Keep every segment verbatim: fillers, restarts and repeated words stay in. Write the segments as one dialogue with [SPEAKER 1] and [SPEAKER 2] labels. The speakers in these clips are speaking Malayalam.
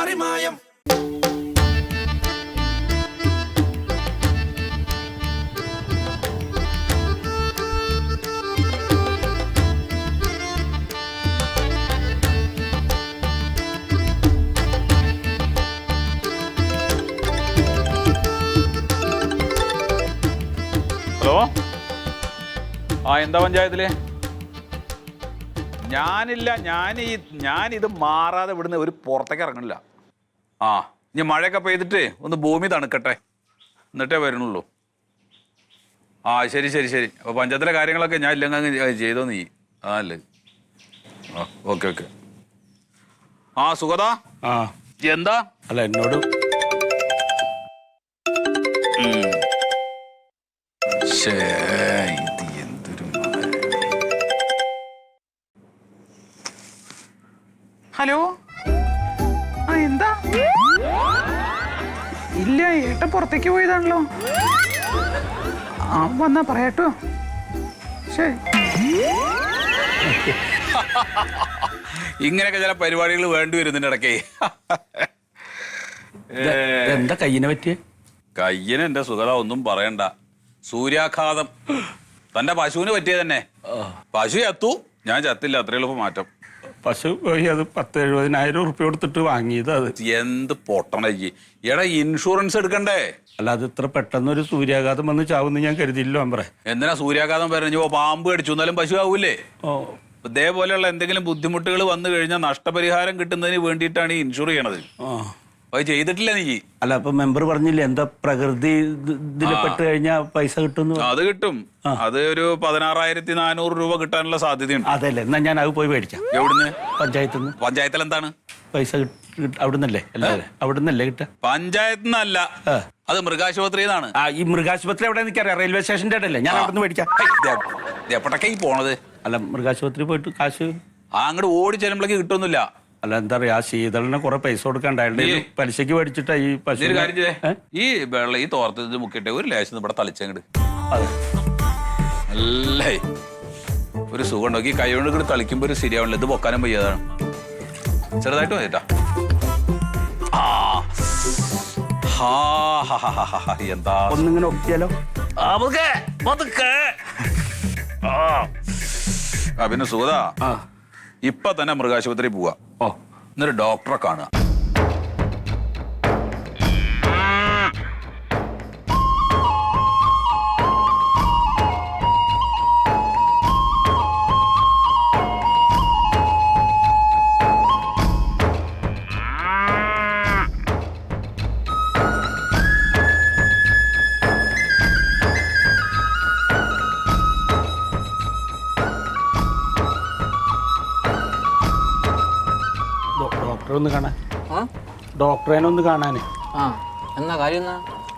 [SPEAKER 1] പാറിമായം.
[SPEAKER 2] ഹലോ, ആ എന്താ പഞ്ചായത്തില്? ഞാനില്ല, ഞാൻ ഈ ഞാനിത് മാറാതെ ഇവിടുന്ന് ഒരു പുറത്തേക്ക് ഇറങ്ങണില്ല. ആ ഇനി മഴയൊക്കെ പെയ്തിട്ട് ഒന്ന് ഭൂമി തണുക്കട്ടെ, എന്നിട്ടേ വരുന്നുള്ളൂ. ആ ശരി ശരി ശരി. അപ്പോൾ പഞ്ചായത്തിലെ കാര്യങ്ങളൊക്കെ ഞാൻ ഇല്ലെങ്കിൽ ചെയ്തോ നീ. ആ അല്ലേ, ആ ഓക്കെ ഓക്കെ. ആ സുഗത,
[SPEAKER 3] ആ
[SPEAKER 2] എന്താ?
[SPEAKER 3] അല്ല എന്നോട്
[SPEAKER 4] ഹലോ, ആ എന്താ? ഇല്ല, ഏട്ടൻ പുറത്തേക്ക് പോയതാണല്ലോ. ആ വന്നാ പറയാട്ടോ. ശരി.
[SPEAKER 2] ഇങ്ങനെയൊക്കെ ചില പരിപാടികൾ വേണ്ടി വരുന്നുണ്ട് ഇടയ്ക്ക്.
[SPEAKER 3] എന്താ കയ്യിനെ പറ്റിയ?
[SPEAKER 2] കയ്യന് എന്റെ സുഗത ഒന്നും പറയണ്ട, സൂര്യാഘാതം. തന്റെ പശുവിന് പറ്റിയ തന്നെ. പശു ചത്തു, ഞാൻ ചത്തില്ല, അത്ര എളുപ്പം മാറ്റം.
[SPEAKER 3] പശു പോയി, അത് പത്ത് എഴുപതിനായിരം ഉറുപ്പ്യ കൊടുത്തിട്ട് വാങ്ങിയത്. അത്
[SPEAKER 2] എന്ത് പൊട്ടണയ്ക്ക് എടാ, ഇൻഷുറൻസ് എടുക്കണ്ടേ?
[SPEAKER 3] അല്ല, അത് ഇത്ര പെട്ടെന്ന് ഒരു സൂര്യാഘാതം വന്ന് ചാവുന്ന ഞാൻ കരുതിയില്ലോ അമ്പറേ.
[SPEAKER 2] എന്തിനാ സൂര്യാഘാതം പറഞ്ഞോ? പാമ്പ് കടിച്ചു എന്നാലും പശു ആവൂലേ?
[SPEAKER 3] ഓ,
[SPEAKER 2] ഇതേപോലെയുള്ള എന്തെങ്കിലും ബുദ്ധിമുട്ടുകൾ വന്നു കഴിഞ്ഞാൽ നഷ്ടപരിഹാരം കിട്ടുന്നതിന് വേണ്ടിയിട്ടാണ് ഈ ഇൻഷുർ ചെയ്യണത്. അത് ചെയ്തിട്ടില്ല നീ.
[SPEAKER 3] അല്ല, അപ്പൊ മെമ്പർ പറഞ്ഞില്ലേ എന്താ പ്രകൃതി ഇതിൽ പെട്ട് കഴിഞ്ഞാൽ പൈസ കിട്ടും?
[SPEAKER 2] അത് കിട്ടും. അത് ഒരു പതിനാറായിരത്തി നാനൂറ് രൂപ കിട്ടാനുള്ള സാധ്യതയുണ്ട്.
[SPEAKER 3] അതല്ലേ, എന്നാ ഞാൻ അത് പോയി മേടിക്കാം.
[SPEAKER 2] എവിടുന്ന്?
[SPEAKER 3] പഞ്ചായത്തിൽ നിന്ന്.
[SPEAKER 2] പഞ്ചായത്തിൽ എന്താണ്
[SPEAKER 3] പൈസ അവിടുന്നല്ലേ? അല്ലേ, അവിടുന്നല്ലേ കിട്ടാ?
[SPEAKER 2] പഞ്ചായത്തിൽ നിന്നല്ല, അത് മൃഗാശുപത്രിന്നാണ്.
[SPEAKER 3] ആ, ഈ മൃഗാശുപത്രി എവിടെ നിൽക്കാറിയാം? റെയിൽവേ സ്റ്റേഷന്റെ അല്ലേ? ഞാൻ അവിടെ നിന്ന് മേടിക്കാം.
[SPEAKER 2] എപ്പോഴൊക്കെ ഈ പോണത്?
[SPEAKER 3] അല്ല, മൃഗാശുപത്രി പോയിട്ട് കാശ്
[SPEAKER 2] ആ അങ്ങോട്ട് ഓടി ചെല്ലുമ്പോഴേക്ക് കിട്ടുമൊന്നുമില്ല.
[SPEAKER 3] അല്ല, എന്താ പറയാ, ആ ശീതളിനെ കുറെ പൈസ കൊടുക്കണ്ടായിരുന്നു. പലിശക്ക് മേടിച്ചിട്ടാ ഈ പശു.
[SPEAKER 2] കാര്യം ചെയ്തേ, ഈ വെള്ളം ഈ തോർത്ത് മുക്കിട്ടെ ഒരു ലേശം ഇവിടെ തളിച്ചങ്ങട്. അല്ലേ, ഒരു സുഖം ഉണ്ടോ? ഈ കൈ കൊണ്ട് ഇങ്ങോട്ട് തളിക്കുമ്പോ ഒരു ശരിയാവണില്ല. ഇത് പൊക്കാനും വയ്യതാണ്. ചെറുതായിട്ട് മതിട്ടാ. എന്താ
[SPEAKER 3] ഒന്നിങ്ങനെ ഒക്കിയാലോ?
[SPEAKER 2] ആ പിന്നെ സുഗത, ഇപ്പൊ തന്നെ മൃഗാശുപത്രി പോവാ.
[SPEAKER 3] ഓ,
[SPEAKER 2] എന്നൊരു ഡോക്ടറെ കാണുക.
[SPEAKER 3] ഡോക്ടറെ ഒന്ന് കാണാൻ. ഡോക്ടറെ ഒന്ന് കാണാന്.
[SPEAKER 5] ആ, എന്നാ കാര്യം എന്നാ?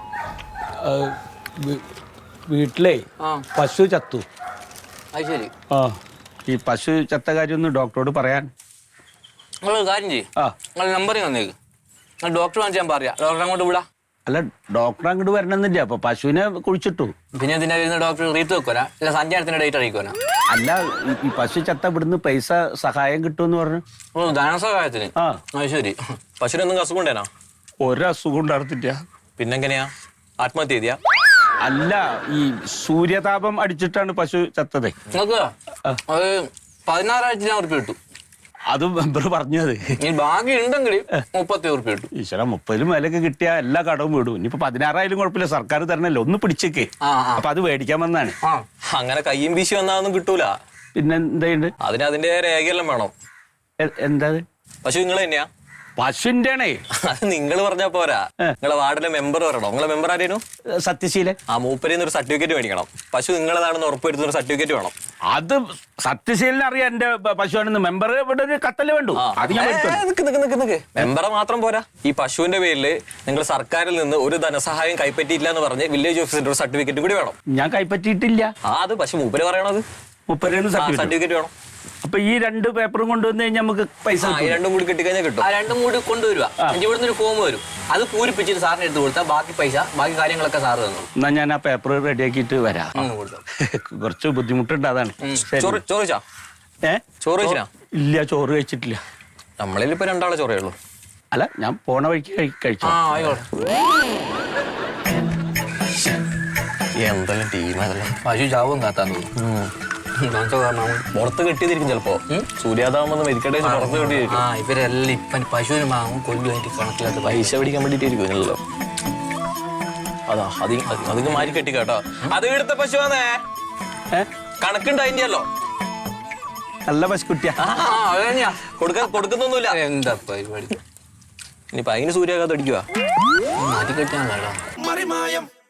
[SPEAKER 3] വീട്ടിലേ പശു ചത്തു.
[SPEAKER 5] അത് ശരി.
[SPEAKER 3] ആ, ഈ പശു ചത്ത കാര്യം ഒന്ന് ഡോക്ടറോട് പറയാൻ.
[SPEAKER 5] നിങ്ങളൊരു കാര്യം ചെയ്യും,
[SPEAKER 3] ആ
[SPEAKER 5] നിങ്ങൾ നമ്പർ തന്നേക്ക്. നിങ്ങൾ ഡോക്ടർ കാണിച്ച് ഞാൻ പറയാം. ഡോക്ടറെ അങ്ങോട്ട് വിടാം.
[SPEAKER 3] അല്ല, ഡോക്ടർ അങ്ങോട്ട് വരണമെന്നില്ല. അപ്പൊ പശുവിനെ കുഴിച്ചിട്ടു.
[SPEAKER 5] പിന്നെ എന്തിനാ വരുന്ന ഡോക്ടർ? റീത്ത് വെക്കോനാ അല്ല സഞ്ചാരത്തിന്റെ ഡേറ്റ് അറിയിക്കോനാ?
[SPEAKER 3] അല്ല, ഈ പശു ചത്ത ഇവിടുന്ന് പൈസ സഹായം കിട്ടുമെന്ന് പറഞ്ഞു.
[SPEAKER 5] ഓ, ധനസഹായത്തിന്.
[SPEAKER 3] ആ,
[SPEAKER 5] അത് ശരി. പശുവിനൊന്നും അസുഖം ഉണ്ടേനാ?
[SPEAKER 3] ഒരസുഖം ഉണ്ടായിരുന്നില്ല.
[SPEAKER 5] പിന്നെങ്ങനെയാ ആത്മഹത്യ ചെയ്തിയാ?
[SPEAKER 3] അല്ല, ഈ സൂര്യതാപം അടിച്ചിട്ടാണ് പശു ചത്തത്.
[SPEAKER 5] നിങ്ങൾക്ക് അത് പതിനാറായിരത്തി ഞാൻ ഉറുപ്പ് കിട്ടും.
[SPEAKER 3] അത് മെമ്പർ പറഞ്ഞത്.
[SPEAKER 5] ഈ ബാക്കി ഉണ്ടെങ്കിൽ മുപ്പത്തി ഉറുപ്പ് കിട്ടും.
[SPEAKER 3] ഈശ്വര, മുപ്പതിലും മേലൊക്കെ കിട്ടിയ എല്ലാ കടവും വിടും. ഇനിയിപ്പോ പതിനാറായാലും കുഴപ്പമില്ല, സർക്കാർ തരണല്ലോ. ഒന്ന് പിടിച്ചേക്കേ. അപ്പൊ അത് മേടിക്കാൻ വന്നാണ്.
[SPEAKER 5] ആ, അങ്ങനെ കയ്യും വീശി വന്നാതൊന്നും കിട്ടൂല.
[SPEAKER 3] പിന്നെ എന്തുണ്ട്?
[SPEAKER 5] അതിന് അതിന്റെ രേഖയെല്ലാം വേണം.
[SPEAKER 3] എന്താ
[SPEAKER 5] പശു നിങ്ങൾ തന്നെയാ?
[SPEAKER 3] പശുവിന്റെ ആണേ.
[SPEAKER 5] അത് നിങ്ങൾ പറഞ്ഞാ പോരാ, നിങ്ങളെ വാർഡിലെ മെമ്പർ വരണോ? നിങ്ങളെ മെമ്പർ ആരേനു?
[SPEAKER 3] സത്യശീലൻ.
[SPEAKER 5] ആ മൂപ്പരിന്ന് ഒരു സർട്ടിഫിക്കറ്റ് മേടിക്കണം. പശു നിങ്ങളതാണെന്ന് ഉറപ്പുവരുത്തുന്ന ഒരു സർട്ടിഫിക്കറ്റ് വേണം.
[SPEAKER 3] അത് സത്യശീലൻ അറിയാം എന്റെ പശുവാണെന്ന്. മെമ്പർ ഇവിടെ ഒരു കത്തല് വേണ്ടു. അത് ഞാൻ
[SPEAKER 5] മെമ്പറെ മാത്രം പോരാ, ഈ പശുവിന്റെ പേരിൽ നിങ്ങൾ സർക്കാരിൽ നിന്ന് ഒരു ധനസഹായം കൈപ്പറ്റിയില്ല എന്ന് പറഞ്ഞ് വില്ലേജ് ഓഫീസിന്റെ ഒരു സർട്ടിഫിക്കറ്റ് കൂടി വേണം.
[SPEAKER 3] ഞാൻ കൈപ്പറ്റിയിട്ടില്ല.
[SPEAKER 5] ആ, അത് പക്ഷെ മൂപ്പര് പറയണത്
[SPEAKER 3] മുപ്പതിന്
[SPEAKER 5] സർട്ടിഫിക്കറ്റ് വേണം.
[SPEAKER 3] അപ്പൊ ഈ രണ്ട് പേപ്പറും കൊണ്ടുവന്ന് കഴിഞ്ഞാൽ നമുക്ക് പൈസ
[SPEAKER 5] രണ്ടും കൂടി കിട്ടിക്കഴിഞ്ഞാൽ കിട്ടും. ആ രണ്ടും കൂടി കൊണ്ടുവരുക. ഇവിടുന്ന് ഒരു ഫോം വരും, അത് പൂരിപ്പിച്ചിട്ട് സാറിന് എടുത്ത് കൊടുത്താൽ ബാക്കി പൈസ ബാക്കി കാര്യങ്ങളൊക്കെ സാറ് തന്നു.
[SPEAKER 3] എന്നാ ഞാൻ ആ പേപ്പർ റെഡിയാക്കിയിട്ട് വരാം. കുറച്ച് ബുദ്ധിമുട്ടുണ്ട്, അതാണ്.
[SPEAKER 5] ചോറിച്ചാ?
[SPEAKER 3] ഏ
[SPEAKER 5] ചോറ് കഴിച്ചാ?
[SPEAKER 3] ഇല്ല, ചോറ് കഴിച്ചിട്ടില്ല.
[SPEAKER 5] നമ്മളിൽ ഇപ്പൊ രണ്ടാളെ ചോറേ ഉള്ളൂ.
[SPEAKER 3] അല്ല ഞാൻ പോണ വഴിക്ക് കഴി- കഴിച്ചു
[SPEAKER 5] ആ ആയിക്കോട്ടെ. എന്തെല്ലാം ടീം അതെല്ലാം
[SPEAKER 1] പശു ചാവും കാത്താൻ തോന്നുന്നു
[SPEAKER 5] പുറത്ത് കെട്ടിയതിരിക്കും ചിലപ്പോ സൂര്യാതാപം മെതിക്കട്ടെ പുറത്ത് കെട്ടിയിരിക്കും.
[SPEAKER 1] ആ ഇവരെല്ലാം ഇപ്പം പശുവിന് വാങ്ങും കൊല്ലു അതിന്റെ കണക്കില്ലാത്ത
[SPEAKER 5] പൈസ പിടിക്കാൻ വേണ്ടിട്ടായിരിക്കും ഇല്ലല്ലോ. അതാ അത് അതിന് മാരി കെട്ടി കേട്ടോ. അത് എടുത്ത പശുവാന്നേ
[SPEAKER 3] ഏ?
[SPEAKER 5] കണക്കുണ്ട് അതിന്റെയല്ലോ.
[SPEAKER 3] നല്ല പശുക്കുട്ടിയാ.
[SPEAKER 1] അതന്നെയാ
[SPEAKER 5] കൊടുക്കാൻ കൊടുക്കുന്നൊന്നുമില്ല.
[SPEAKER 1] എന്താ പരിപാടി
[SPEAKER 5] ഇനിയിപ്പൊ അതിന് സൂര്യാഘാതം അടിക്കുക.
[SPEAKER 1] മാറ്റി കെട്ടിയാണല്ലോ